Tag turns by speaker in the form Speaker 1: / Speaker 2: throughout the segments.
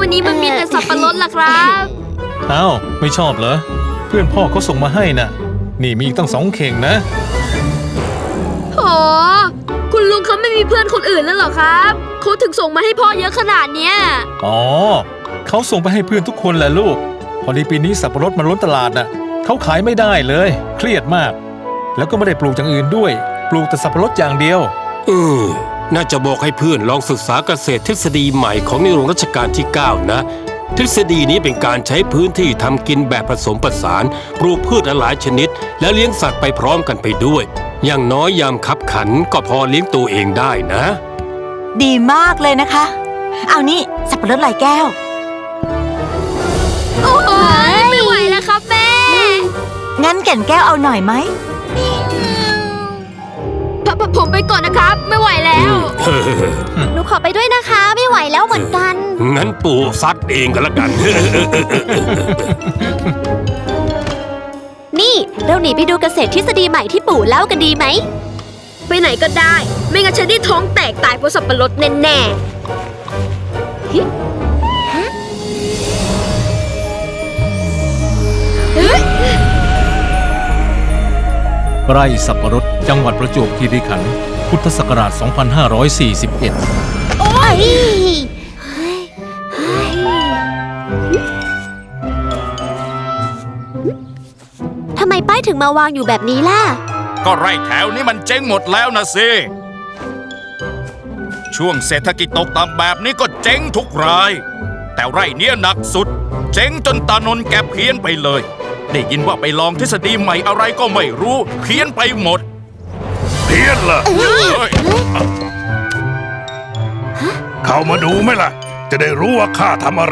Speaker 1: วันนี้มันมีแต่สับปะรดล่ะครับ
Speaker 2: อ้าวไม่ชอบเหรอเพื่อนพ่อเขาส่งมาให้น่ะนี่มีอีกตั้ง2 เข่งนะ
Speaker 1: โหคุณลุงเขาไม่มีเพื่อนคนอื่นแล้วเหรอครับเขาถึงส่งมาให้พ่อเยอะขนาดเนี้ย
Speaker 2: อ๋อเขาส่งไปให้เพื่อนทุกคนแหละลูกพอดีปีนี้สับปะรดมันล้นตลาดน่ะเขาขายไม่ได้เลยเครียดมากแล้วก็ไม่ได้ปลูกอย่างอื่นด้วยปลูกแต่สับปะรดอย่างเดียว
Speaker 3: น่าจะบอกให้เพื่อนลองศึกษาเกษตรทฤษฎีใหม่ของในหลวงรัชกาลที่ 9 นะทฤษฎีนี้เป็นการใช้พื้นที่ทำกินแบบผสมผสานปลูกพืชหลายชนิดแล้วเลี้ยงสัตว์ไปพร้อมกันไปด้วยอย่างน้อยยามคับขันก็พอเลี้ยงตัวเองได้นะ
Speaker 4: ดีมากเลยนะคะเอานี่สับปะรดลายแก้ว
Speaker 1: โอ้ยไม่ไหวแล้วครับแม่
Speaker 4: งั้นแก่นแก้วเอาหน่อยไหม
Speaker 1: ผมไปก่อนนะครับไม่ไหวแล้ว
Speaker 5: หนูขอไปด้วยนะคะไม่ไหวแล้วเหมือนกัน
Speaker 3: งั้นปู่ซัดเองก็แล้วกัน
Speaker 5: นี่เราหนีไปดูเกษตรทฤษฎีใหม่ที่ปู่เล่ากันดีไหม
Speaker 1: ไปไหนก็ได้ไม่งั้นฉันได้ท้องแตกตายเพราะสับปะรดแน่
Speaker 2: ไร่สับปะรดจังหวัดประจวบคีรีขันธ์พุทธศักราช 2541
Speaker 5: โอ้ยทำไมป้ายถึงมาวางอยู่แบบนี้ล่ะ
Speaker 6: ก็ไร่แถวนี้มันเจ๊งหมดแล้วนะสิช่วงเศรษฐกิจตกต่ำแบบนี้ก็เจ๊งทุกรายแต่ไร่เนี้ยหนักสุดเจ๊งจนตานนท์แกเพี้ยนไปเลยได้ยินว่าไปลองทฤษฎีใหม่อะไรก็ไม่รู้เพี้ยนไปหมด
Speaker 7: เพี้ยนเหรอเข้ามาดูไหมล่ะจะได้รู้ว่าข้าทำอะไร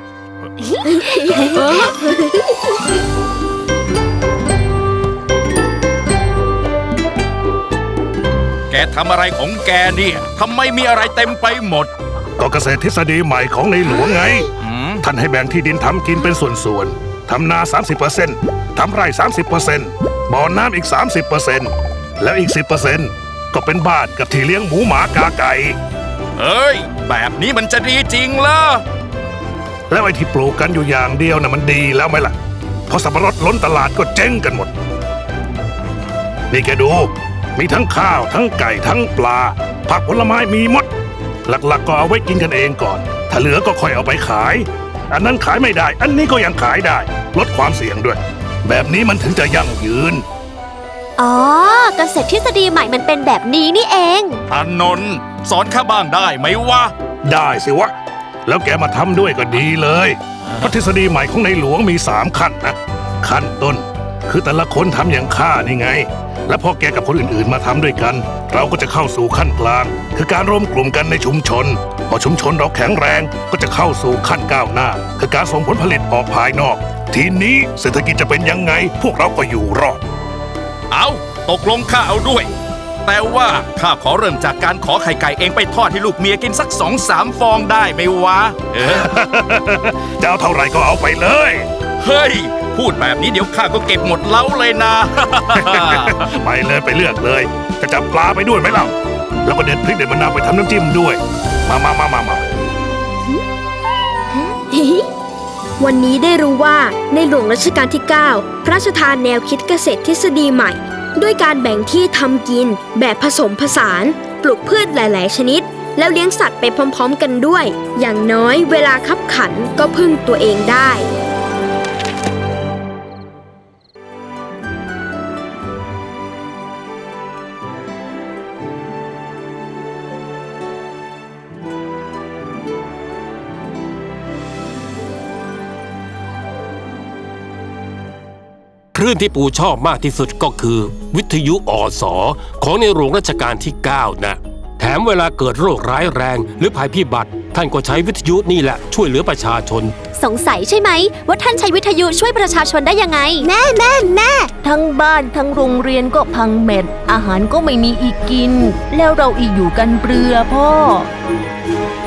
Speaker 6: แกทำอะไรของแกเนี่ยทำไมมีอะไรเต็มไปหมด
Speaker 7: ก็เกษตรทฤษฎีใหม่ของในหลวงไงท่านให้แบ่งที่ดินทำกินเป็นส่วนๆทำนา 30% ทำไร่ 30% บ่อน้ำอีก 30% แล้วอีก 10% ก็เป็นบ้านกับที่เลี้ยงหมูหมากาไก่
Speaker 6: เอ้ยแบบนี้มันจะดีจริงเหรอ
Speaker 7: แล้วไอ้ที่ปลูกกันอยู่อย่างเดียวน่ะมันดีแล้วไหมล่ะพอสับปะรดล้นตลาดก็เจ๊งกันหมดนี่แกดูมีทั้งข้าวทั้งไก่ทั้งปลาผักผลไม้มีหมดหลักๆก็เอาไว้กินกันเองก่อนถ้าเหลือก็ค่อยเอาไปขายอันนั้นขายไม่ได้อันนี้ก็ยังขายได้ลดความเสี่ยงด้วยแบบนี้มันถึงจะยั่งยืน
Speaker 5: อ๋อเกษตรทฤษฎีใหม่มันเป็นแบบนี้นี่เอง
Speaker 6: อานนท์สอนข้าบ้างได้ไหมวะ
Speaker 7: ได้สิวะแล้วแกมาทำด้วยก็ดีเลยเพราะทฤษฎีใหม่ของในหลวงมี3 ขั้นนะขั้นต้นคือแต่ละคนทำอย่างข้านี่ไงและพอแกกับคนอื่นๆมาทำด้วยกันเราก็จะเข้าสู่ขั้นกลางคือการรวมกลุ่มกันในชุมชนพอชุมชนเราแข็งแรงก็จะเข้าสู่ขั้นก้าวหน้าคือการส่งผลผลิตออกภายนอกทีนี้เศรษฐกิจจะเป็นยังไงพวกเราก็อยู่รอด
Speaker 6: เอาตกลงข้าเอาด้วยแต่ว่าข้าขอเริ่มจากการขอไข่ไก่เองไปทอดให้ลูกเมียกินสัก2-3 ฟองได้ไหมวะ
Speaker 7: จะเอาเท่าไหร่ก็เอาไปเลย
Speaker 6: เฮ้ยพูดแบบนี้เดี๋ยวข้าก็เก็บหมดเล้าเลยนะ
Speaker 7: ไปเลยไปเลือกเลยจะจับปลาไปด้วยไหมเล่าแล้วก็เด็ดพริกเด็ดมะนาวไปทำน้ำจิ้มด้วยมา
Speaker 1: วันนี้ได้รู้ว่าในหลวงรัชกาลที่ 9 พระราชทานแนวคิดเกษตรทฤษฎีใหม่ด้วยการแบ่งที่ทำกินแบบผสมผสานปลูกพืชหลายๆชนิดแล้วเลี้ยงสัตว์ไปพร้อมๆกันด้วยอย่างน้อยเวลาคับขันก็พึ่งตัวเองได้
Speaker 3: คลื่นที่ปู่ชอบมากที่สุดก็คือวิทยุอสของในหลวงรัชกาลที่ 9 นะแถมเวลาเกิดโรคร้ายแรงหรือภัยพิบัติท่านก็ใช้วิทยุนี่แหละช่วยเหลือประชาชน
Speaker 5: สงสัยใช่ไหมว่าท่านใช้วิทยุช่วยประชาชนได้ยังไงแม่
Speaker 4: ทั้งบ้านทั้งโรงเรียนก็พังเม็ดอาหารก็ไม่มีอีกกินแล้วเราอีกอยู่กันเปลือพ่อ